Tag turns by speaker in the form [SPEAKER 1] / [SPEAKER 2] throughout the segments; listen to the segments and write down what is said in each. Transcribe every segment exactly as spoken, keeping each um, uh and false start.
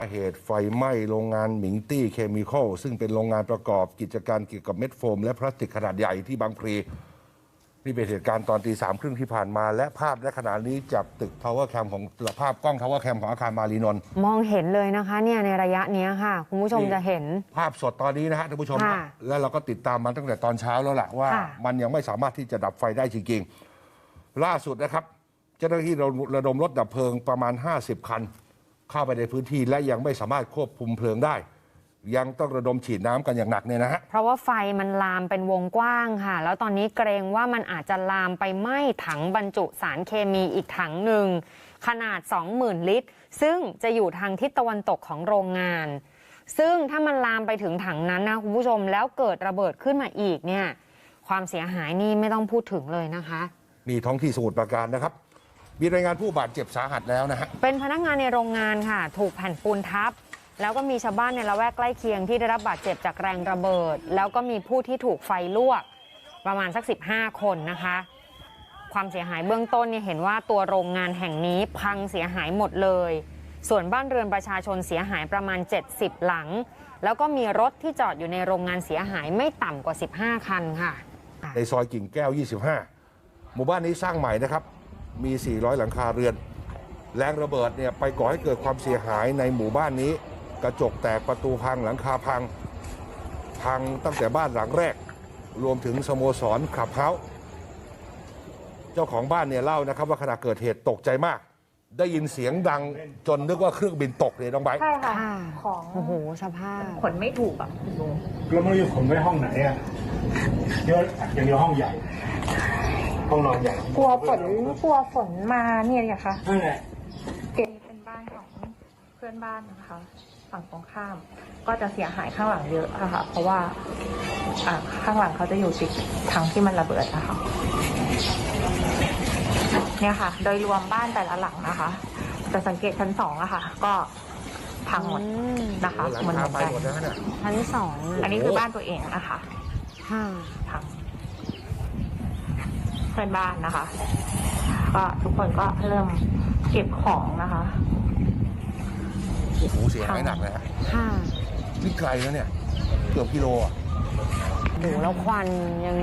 [SPEAKER 1] เหตุไฟไหม้โรงงานหมิงตี้เคมีคอลซึ่งเป็นโรงงานประกอบกิจการเกี่ยวกับเม็ดโฟมและพลาสติกขนาดใหญ่ที่บางพลีนี่เป็นเหตุการณ์ตอนตีสามครึ่งที่ผ่านมาและภาพณขณะนี้จากตึกทาวเวอร์แคมของภาพกล้องทาวเวอร์แคมของอาคารมารีนนท์
[SPEAKER 2] มองเห็นเลยนะคะเนี่ยในระยะนี้ค่ะคุณผู้ชมจะเห็น
[SPEAKER 1] ภาพสดตอนนี้นะฮะท่านผู้ชมนะและเราก็ติดตามมาตั้งแต่ตอนเช้าแล้วล่ะว่ามันยังไม่สามารถที่จะดับไฟได้จริงๆล่าสุดนะครับเจ้าหน้าที่ระดมรถดับเพลิงประมาณห้าสิบคันเข้าไปในพื้นที่และยังไม่สามารถควบคุมเพลิงได้ยังต้องระดมฉีดน้ำกันอย่างหนักเนี่ยนะฮะ
[SPEAKER 2] เพราะว่าไฟมันลามเป็นวงกว้างค่ะแล้วตอนนี้เกรงว่ามันอาจจะลามไปไหม้ถังบรรจุสารเคมีอีกถังหนึ่งขนาด สองหมื่น ลิตรซึ่งจะอยู่ทางทิศตะวันตกของโรงงานซึ่งถ้ามันลามไปถึงถังนั้นนะคุณผู้ชมแล้วเกิดระเบิดขึ้นมาอีกเนี่ยความเสียหายนี่ไม่ต้องพูดถึงเลยนะคะ
[SPEAKER 1] นี่ท้องที่สมุทรปราการนะครับมีรายงานผู้บาดเจ็บสาหัสแล้วนะฮะ
[SPEAKER 2] เป็นพนักงานในโรงงานค่ะถูกแผ่นปูนทับแล้วก็มีชาวบ้านในละแวกใกล้เคียงที่ได้รับบาดเจ็บจากแรงระเบิดแล้วก็มีผู้ที่ถูกไฟลวกประมาณสักสิบห้าคนนะคะความเสียหายเบื้องต้นเนี่ยเห็นว่าตัวโรงงานแห่งนี้พังเสียหายหมดเลยส่วนบ้านเรือนประชาชนเสียหายประมาณเจ็ดสิบหลังแล้วก็มีรถที่จอดอยู่ในโรงงานเสียหายไม่ต่ำกว่าสิบห้าคันค่ะ
[SPEAKER 1] ในซอยกิ่งแก้วยี่สิบห้าหมู่บ้านนี้สร้างใหม่นะครับมีสี่ร้อยหลังคาเรือนแรงระเบิดเนี่ยไปก่อให้เกิดความเสียหายในหมู่บ้านนี้กระจกแตกประตูพังหลังคาพังพังตั้งแต่บ้านหลังแรกรวมถึงสโมสรคลับเฮาส์เจ้าของบ้านเนี่ยเล่านะครับว่าขณะเกิดเหตุตกใจมากได้ยินเสียงดังจนนึกว่าเครื่องบินตกเลยน้องไบร์ท
[SPEAKER 3] ใช่ค่ะของ
[SPEAKER 2] โอ้โหสภาพ
[SPEAKER 3] ขนไม่ถูกอ่ะ
[SPEAKER 4] แล้วไม่รู้ขนไว้ห้องไหนอ่ะเยอะอย่างเดียวห้องใหญ่ห้องนอนใหญ่
[SPEAKER 3] กลัวฝนกลัวฝนมาเนี่ยไงคะ
[SPEAKER 4] นั่นแหละ
[SPEAKER 3] เก็บเป็นบ้านของเพื่อนบ้านนะคะฝั่งตรงข้ามก็จะเสียหายข้างหลังเยอะอะค่ะเพราะว่าอ่าข้างหลังเขาจะอยู่ติดทางที่มันระเบิดนะคะเนี่ยค่ะโดยรวมบ้านแต่ละหลังนะคะแต่สังเกตชั้นสองอะค่ะก็พังหมดนะคะ
[SPEAKER 1] หลังคาไปหมดแล้วเนี่ย
[SPEAKER 2] ชั้นสอง
[SPEAKER 3] อันนี้คือบ้านตัวเองนะคะ
[SPEAKER 2] ค่ะ
[SPEAKER 3] พังเพื่อนบ้านนะคะก็ทุกคนก็เริ่มเก็บของนะคะ
[SPEAKER 1] โอ้โหเสียหายหนักเลยฮะ
[SPEAKER 2] ค่ะ
[SPEAKER 1] นี่ไกลแล้วเนี่ยเกือบกิโลอ่ะ
[SPEAKER 2] ดูแล้วควันยัง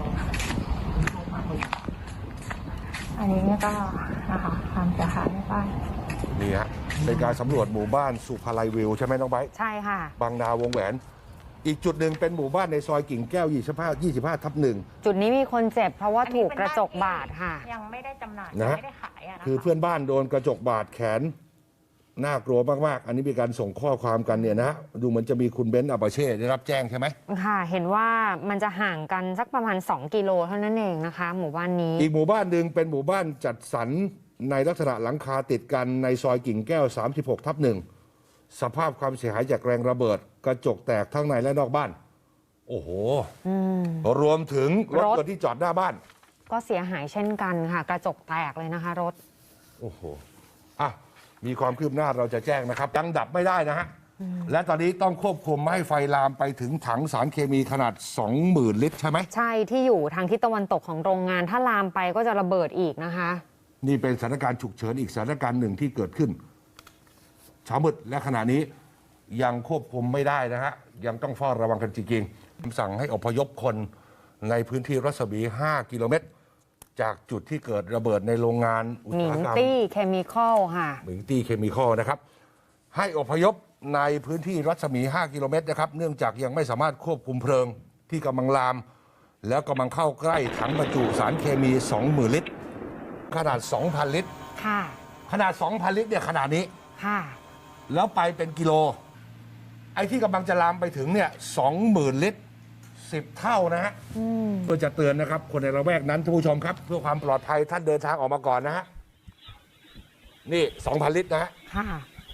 [SPEAKER 3] อันนี้ก็นะคะความเสียหายในบ้าน
[SPEAKER 1] นี่ฮะเป็นการสำรวจหมู่บ้านสุภาลัยวิวใช่ไหมน้องไบร์ท
[SPEAKER 2] ใช่ค่ะ
[SPEAKER 1] บางนาวงแหวนอีกจุดหนึ่งเป็นหมู่บ้านในซอยกิ่งแก้วยี่สิบห้า ยี่สิบห้าทับหนึ่ง
[SPEAKER 2] จุดนี้มีคนเจ็บเพราะว่าถูกกระจกบาดค่ะ
[SPEAKER 3] ยังไม่ได้จำหน่าย
[SPEAKER 1] นะ
[SPEAKER 3] ไม่ได้ขายอ่ะ
[SPEAKER 1] คือเพื่อนบ้านโดนกระจกบาดแขนน่ากลัวมากๆอันนี้มีการส่งข้อความกันเนี่ยนะดูเหมือนจะมีคุณเบนซ์อัปเช่ได้รับแจ้งใช่ไหม
[SPEAKER 2] ค่ะเห็นว่ามันจะห่างกันสักประมาณสองกิโลเท่านั้นเองนะคะหมู่บ้านนี้
[SPEAKER 1] อีกหมู่บ้านหนึ่งเป็นหมู่บ้านจัดสรรในลักษณะหลังคาติดกันในซอยกิ่งแก้วสามสิบหกทับหนึ่งสภาพความเสียหายจากแรงระเบิดกระจกแตกทั้งในและนอกบ้านโอ้โหรวมถึงรถยนต์ที่จอดหน้าบ้าน
[SPEAKER 2] ก็เสียหายเช่นกันค่ะกระจกแตกเลยนะคะรถ
[SPEAKER 1] โอ้โหอ่ะมีความคืบหน้าเราจะแจ้งนะครับยังดับไม่ได้นะฮะและตอนนี้ต้องควบคุมไม่ให้ไฟลามไปถึงถังสารเคมีขนาด สองหมื่น ลิตรใช่ไหม
[SPEAKER 2] ใช่ที่อยู่ทางทิศตะวันตกของโรงงานถ้าลามไปก็จะระเบิดอีกนะคะ
[SPEAKER 1] นี่เป็นสถานการณ์ฉุกเฉินอีกสถานการณ์หนึ่งที่เกิดขึ้นเช้ามืดและขณะนี้ยังควบคุมไม่ได้นะฮะยังต้องเฝ้าระวังกันจริงๆคำสั่งให้อพยพคนในพื้นที่รัศมีห้ากิโลเมตรจากจุดที่เกิดระเบิดในโรงงานอุตสาหกรรม
[SPEAKER 2] หมิงตี้เคมีคอลค่ะ
[SPEAKER 1] หมิงตี้เคมีคอลนะครับให้อพยพในพื้นที่รัศมีห้ากิโลเมตรนะครับเนื่องจากยังไม่สามารถควบคุมเพลิงที่กำลังลามแล้วกำลังเข้าใกล้ถังบรรจุสารเคมี สองหมื่น ลิตรขนาด สองพัน ลิตร
[SPEAKER 2] ค่ะ
[SPEAKER 1] ขนาด สองพัน ลิตรเนี่ยขนาดนี้
[SPEAKER 2] ค่ะ
[SPEAKER 1] แล้วไปเป็นกิโลไอ้ที่กำลังจะลามไปถึงเนี่ย สองหมื่น ลิตรสิบเท่านะฮะเพื่อจะเตือนนะครับคนในละแวกนั้นท่านผู้ชมครับเพื่อความปลอดภัยท่านเดินทางออกมาก่อนนะฮะนี่ สองพัน ลิตรนะฮะ
[SPEAKER 2] ค่ะ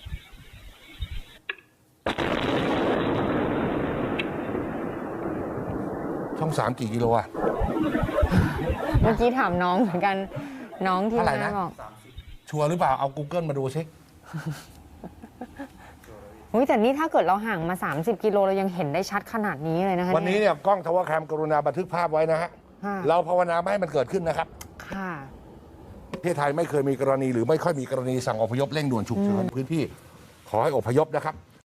[SPEAKER 1] ช่องสามกี่กิโลอะ
[SPEAKER 2] เมื่อกี้ถามน้องเหมือนกันน้องที่แม่บอก
[SPEAKER 1] ชัวร์หรือเปล่าเอา Google มาดูสิ
[SPEAKER 2] อุ้ยแต่นี่ถ้าเกิดเราห่างมาสามสิบกิโลเรายังเห็นได้ชัดขนาดนี้เลยนะคะ
[SPEAKER 1] วันนี้เนี่ยกล้องทาวเวอร์แคมกรุณาบันทึกภาพไว้นะฮะเราภาวนาไม่ให้มันเกิดขึ้นนะครับ
[SPEAKER 2] ค่ะ
[SPEAKER 1] ประเทศไทยไม่เคยมีกรณีหรือไม่ค่อยมีกรณีสั่งอพยพเร่งด่วนฉุกเฉินพื้นที่ขขอให้อพยพนะครับ